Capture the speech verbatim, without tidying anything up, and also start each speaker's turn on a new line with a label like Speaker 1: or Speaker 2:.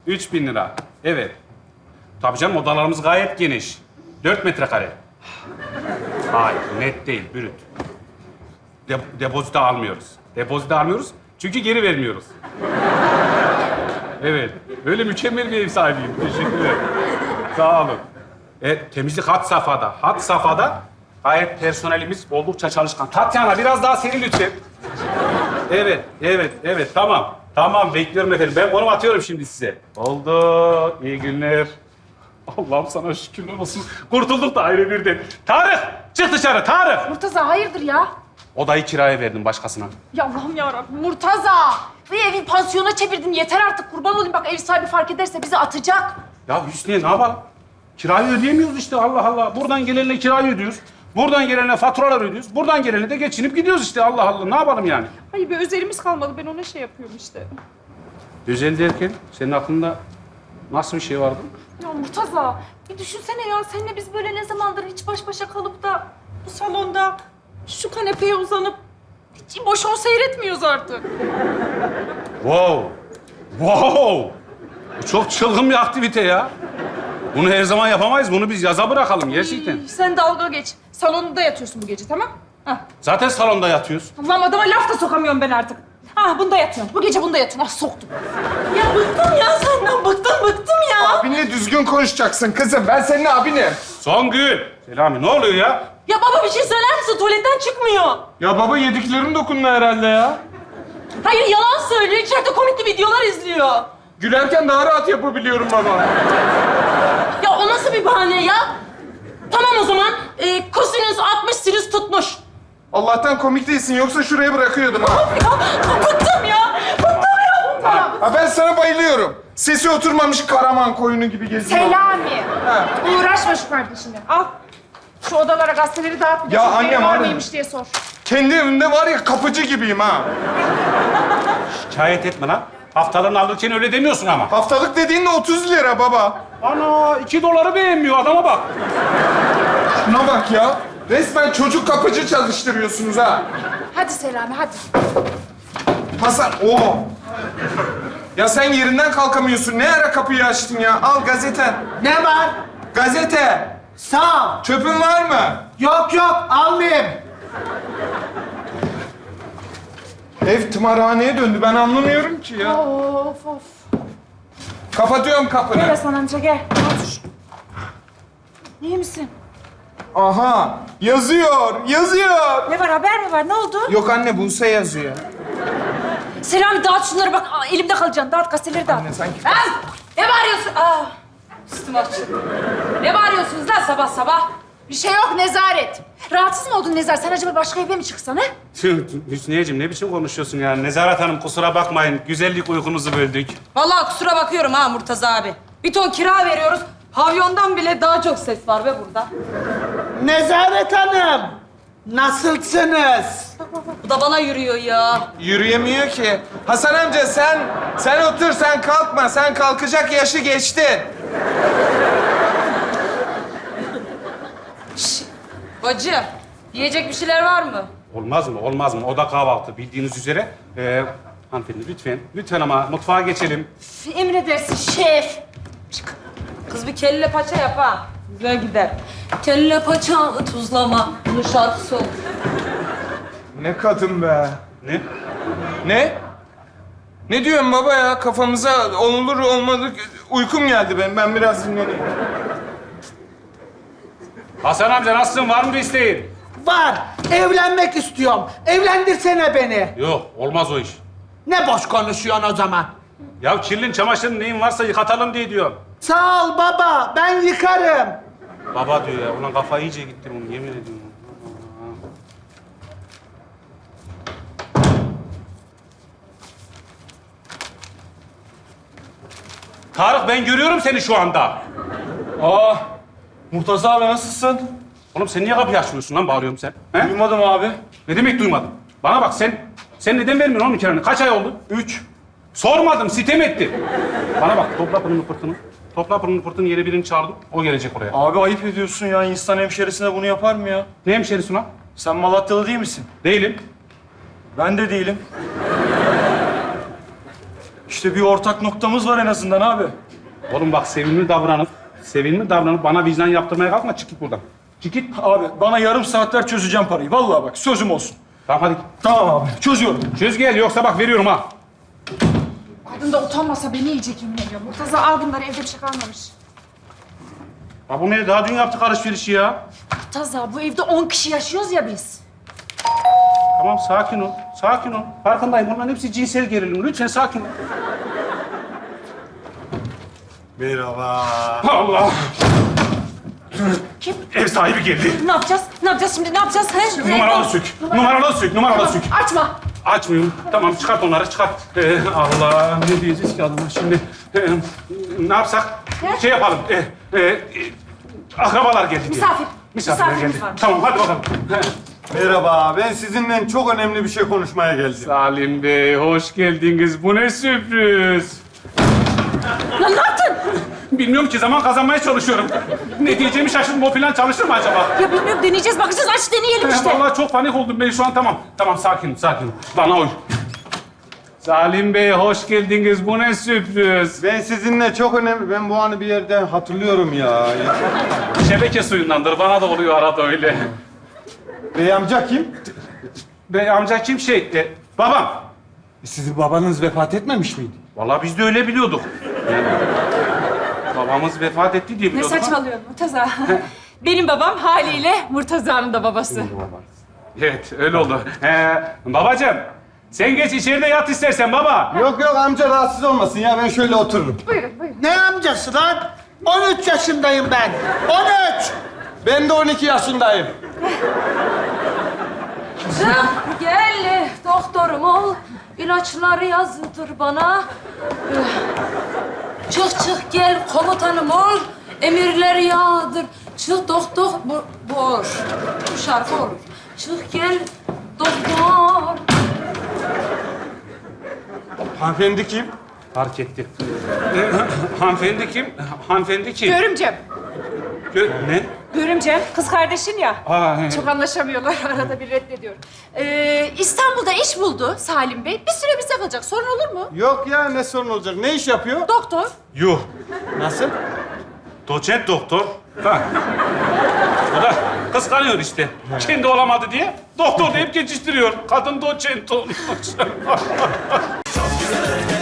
Speaker 1: Üç bin lira. Evet. Tabii canım odalarımız gayet geniş. Dört metrekare. Hayır, net değil, brüt. De depozito almıyoruz. Depozito almıyoruz çünkü geri vermiyoruz. Evet, böyle mükemmel bir ev sahibiyim. Teşekkürler. Sağ olun. Evet, temizlik had safhada. Had safhada gayet personelimiz oldukça çalışkan. Tatyana biraz daha seri lütfen. Evet, evet, evet. Tamam. Tamam, bekliyorum efendim. Ben konum atıyorum şimdi size. Oldu. İyi günler. Allah'ım sana şükürler olsun. Kurtulduk da ayrı birden. Tarık, çık dışarı Tarık.
Speaker 2: Murtaza hayırdır ya?
Speaker 1: Odayı kiraya verdim başkasına.
Speaker 2: Ya Allah'ım yarabbim Murtaza. Bu evi pansiyona çevirdin. Yeter artık kurban olayım. Bak ev sahibi fark ederse bizi atacak.
Speaker 1: Ya Hüsniye ne yapalım? Kirayı ödeyemiyoruz işte Allah Allah. Buradan gelenle kirayı ödüyoruz. Buradan gelenle faturalar ödüyoruz. Buradan gelenle de geçinip gidiyoruz işte Allah Allah. Ne yapalım yani?
Speaker 2: Hayır bir özelimiz kalmadı. Ben ona şey yapıyorum işte.
Speaker 1: Özel derken senin aklında nasıl bir şey vardı?
Speaker 2: Ya Murtaza bir düşünsene ya. Seninle biz böyle ne zamandır hiç baş başa kalıp da bu salonda şu kanepeye uzanıp hiç boş on seyretmiyoruz artık.
Speaker 1: Wow! Wow! Bu çok çılgın bir aktivite ya. Bunu her zaman yapamayız. Bunu biz yaza bırakalım gerçekten.
Speaker 2: Ay, sen dalga geç. Salonda yatıyorsun bu gece tamam? Hah.
Speaker 1: Zaten salonda yatıyoruz.
Speaker 2: Allah'ım adama laf da sokamıyorum ben artık. Ah bunda yatıyorum. Bu gece bunda yatın. Ah soktum. Ya bıktım ya senden. Bıktım bıktım ya.
Speaker 3: Abinle düzgün konuşacaksın kızım. Ben senin abinim.
Speaker 1: Songül! Selami ne oluyor ya?
Speaker 2: Ya baba bir şey söyler misin? Tuvaletten çıkmıyor.
Speaker 3: Ya baba yediklerin dokundu herhalde ya.
Speaker 2: Hayır yalan söylüyor. İçeride komikli videolar izliyor.
Speaker 3: Gülerken daha rahat yapabiliyorum baba.
Speaker 2: Ya o nasıl bir bahane ya? Tamam o zaman. Ee, kosinüs altmış, sinüs tutmuş.
Speaker 3: Allah'tan komik değilsin. Yoksa şuraya bırakıyordum ha.
Speaker 2: Ya bıktım ya. Bıktım ya bundan.
Speaker 3: Ha ben sana bayılıyorum. Sesi oturmamış Karaman koyunu gibi geziyor.
Speaker 2: Selami.
Speaker 3: Ha.
Speaker 2: Uğraşma şu kardeşine. Al. Şu odalara gazeteleri dağıt. bir de
Speaker 3: Ya
Speaker 2: çok
Speaker 3: annem,
Speaker 2: evi var
Speaker 3: annem.
Speaker 2: mıymış diye sor.
Speaker 3: Kendi evimde var ya kapıcı gibiyim ha.
Speaker 1: Şikayet etme lan. Haftalığını alırken öyle demiyorsun ama.
Speaker 3: Haftalık dediğin de otuz lira baba.
Speaker 1: Ana iki doları beğenmiyor adama bak.
Speaker 3: Şuna bak ya. Resmen çocuk kapıcı çalıştırıyorsunuz ha.
Speaker 2: Hadi Selami hadi.
Speaker 3: Hasan, oo. Ya sen yerinden kalkamıyorsun. Ne ara kapıyı açtın ya? Al gazete.
Speaker 4: Ne var?
Speaker 3: Gazete.
Speaker 4: Sağ ol.
Speaker 3: Çöpün var mı?
Speaker 4: Yok yok almayayım.
Speaker 3: Ev tımarhaneye döndü. Ben anlamıyorum ki ya.
Speaker 2: Of of.
Speaker 3: Kapatıyorum kapını.
Speaker 2: Gel Hasan amca gel. Al şu. İyi misin?
Speaker 3: Aha. Yazıyor. Yazıyor.
Speaker 2: Ne var haber mi var? Ne oldu?
Speaker 3: Yok anne Buse yazıyor.
Speaker 2: Selami dağıt şunları bak. Aa, elimde kalacaksın. Dağıt gazeteleri dağıt.
Speaker 3: Anne sanki...
Speaker 2: Lan! Ne bağırıyorsun? Aa! Üstüm açtı. Ne bağırıyorsunuz lan sabah sabah? Bir şey yok Nezaret. Rahatsız mı oldun Nezaret? Sen acaba başka eve mi çıksan ha?
Speaker 1: Hüsniyeciğim ne biçim konuşuyorsun ya? Nezaret Hanım kusura bakmayın. Güzellik uykunuzu böldük.
Speaker 5: Vallahi kusura bakıyorum ha Murtaza abi. Bir ton kira veriyoruz. Pavyondan bile daha çok ses var be burada.
Speaker 4: Nezaret Hanım. Nasılsınız?
Speaker 5: Bu da bana yürüyor ya.
Speaker 3: Yürüyemiyor ki. Hasan amca sen, sen otur, sen kalkma. Sen kalkacak yaşı geçtin.
Speaker 5: Bacı, yiyecek bir şeyler var mı?
Speaker 1: Olmaz mı? Olmaz mı? O da kahvaltı bildiğiniz üzere. Ee, hanımefendi lütfen. Lütfen ama mutfağa geçelim.
Speaker 2: Emredersin şef.
Speaker 5: Kız bir kelle paça yap ha. Güzel gider. Kelle paça tuzlama. Bunun şarkısı olur.
Speaker 3: Ne kadın be.
Speaker 1: Ne?
Speaker 3: Ne? Ne diyorsun baba ya? Kafamıza olur olmadık uykum geldi benim. Ben biraz dinleneyim.
Speaker 1: Hasan amca nasılsın? Var mı bir isteğin?
Speaker 4: Var. Evlenmek istiyorum. Evlendirsene beni.
Speaker 1: Yok, olmaz o iş.
Speaker 4: Ne boş konuşuyorsun o zaman?
Speaker 1: Ya kirlin çamaşırın neyin varsa yıkatalım diye diyor.
Speaker 4: Sağ ol baba. Ben yıkarım.
Speaker 1: Baba diyor ya. Ulan kafa iyice gitti bunun yemin ediyorum. Tarık ben görüyorum seni şu anda.
Speaker 6: Aa, Murtaza abi nasılsın?
Speaker 1: Oğlum sen niye kapıyı açmıyorsun lan bağırıyorum sen? He?
Speaker 6: Duymadım abi.
Speaker 1: Ne demek duymadın? Bana bak sen, sen neden vermiyorsun oğlum kiranı? Kaç ay oldu?
Speaker 6: Üç.
Speaker 1: Sormadım, sitem etti. Bana bak topla pırını pırtını. Topla pırını pırtını yeni birini çağırdım. O gelecek oraya.
Speaker 6: Abi ayıp ediyorsun ya. İnsan hemşerisine bunu yapar mı ya?
Speaker 1: Ne hemşerisi lan?
Speaker 6: Sen Malatyalı değil misin?
Speaker 1: Değilim.
Speaker 6: Ben de değilim. İşte bir ortak noktamız var en azından abi.
Speaker 1: Oğlum bak sevimli davranıp, sevimli davranıp bana vicdan yaptırmaya kalkma. Çık git buradan. Çık git.
Speaker 6: Abi bana yarım saatler çözeceğim parayı. Vallahi bak sözüm olsun.
Speaker 1: Tamam hadi.
Speaker 6: Tamam abi çözüyorum.
Speaker 1: Çöz gel yoksa bak veriyorum ha.
Speaker 2: Kadın da utanmasa beni yiyecek yemin ediyorum. Murtaza al bunları, evde bir şey kalmamış.
Speaker 1: Ya bu ne? Daha dün yaptık alışverişi ya.
Speaker 2: Murtaza bu evde on kişi yaşıyoruz ya biz.
Speaker 1: Tamam sakin ol. Sakin ol. Farkındayım. Bunların hepsi cinsel gerilim. Lütfen sakin ol.
Speaker 7: Merhaba.
Speaker 1: Allah!
Speaker 2: Kim?
Speaker 1: Ev sahibi geldi.
Speaker 2: Ne yapacağız? Ne yapacağız şimdi? Ne yapacağız? He?
Speaker 1: Numaralı sük. Numaralı sük. Numaralı sük.
Speaker 2: Açma.
Speaker 1: Açmıyorum. Tamam çıkart onları çıkart. Ee, Allah ne diyeceğiz ki adama şimdi? Ee, ne yapsak?
Speaker 2: Ne?
Speaker 1: Şey yapalım. Ee, e, e, akrabalar geldi. diye.
Speaker 2: Misafir.
Speaker 1: Misafirler
Speaker 2: Misafirimiz
Speaker 1: geldi.
Speaker 2: var.
Speaker 1: Tamam hadi bakalım.
Speaker 7: Merhaba. Ben sizinle çok önemli bir şey konuşmaya geldim.
Speaker 1: Salim Bey hoş geldiniz. Bu ne sürpriz.
Speaker 2: Lan ne yaptın?
Speaker 1: Bilmiyorum ki zaman kazanmaya çalışıyorum. Ne diyeceğimi şaşırdım. O plan çalışır mı acaba?
Speaker 2: Ya bilmiyorum, deneyeceğiz, bakacağız. Aç deneyelim işte.
Speaker 1: Vallahi çok panik oldum ben şu an. Tamam. Tamam sakin sakin. Bana uy. Salim Bey hoş geldiniz. Bu ne sürpriz.
Speaker 7: Ben sizinle çok önemli... Ben bu anı bir yerden hatırlıyorum ya.
Speaker 1: Şebeke suyundandır. Bana da oluyor arada öyle.
Speaker 7: Bey amca kim?
Speaker 1: Bey amca kim şey? E, babam.
Speaker 7: Sizin babanız vefat etmemiş miydi?
Speaker 1: Vallahi biz de öyle biliyorduk. Yani, babamız vefat etti diye
Speaker 2: Ne
Speaker 1: biliyorduk. ama-
Speaker 2: saçmalıyorsun Murtaza? Benim babam haliyle Murtaza'nın da babası.
Speaker 1: Evet öyle oldu. Ee, babacığım sen geç içeride yat istersen baba.
Speaker 7: Yok yok amca rahatsız olmasın ya. Ben şöyle otururum.
Speaker 4: Ne amcası lan? on üç yaşındayım ben. on üç.
Speaker 7: Ben de on iki yaşındayım.
Speaker 5: Çık gel doktorum ol. İlaçları yazdır bana. Çık çık gel komutanım ol. Emirleri yağdır. Çık doktor bu, bu olur. Bu şarkı olur. Çık gel doktor.
Speaker 7: Hanımefendi kim?
Speaker 1: Fark etti. Ee, hanımefendi kim? Hanımefendi kim?
Speaker 2: Görümcem.
Speaker 1: Gö- ne?
Speaker 2: Görümcem, kız kardeşin ya.
Speaker 1: Aa, he.
Speaker 2: Çok anlaşamıyorlar. Arada bir reddediyor. Ee, İstanbul'da iş buldu Salim Bey. Bir süre bizde kalacak. Sorun olur mu?
Speaker 7: Yok ya ne sorun olacak? Ne iş yapıyor?
Speaker 2: Doktor.
Speaker 1: Yuh.
Speaker 7: Nasıl?
Speaker 1: Doçent doktor. Ha. O da kıskanıyor işte. Kendi olamadı diye doktor deyip geçiştiriyor. Kadın doçent olmuş.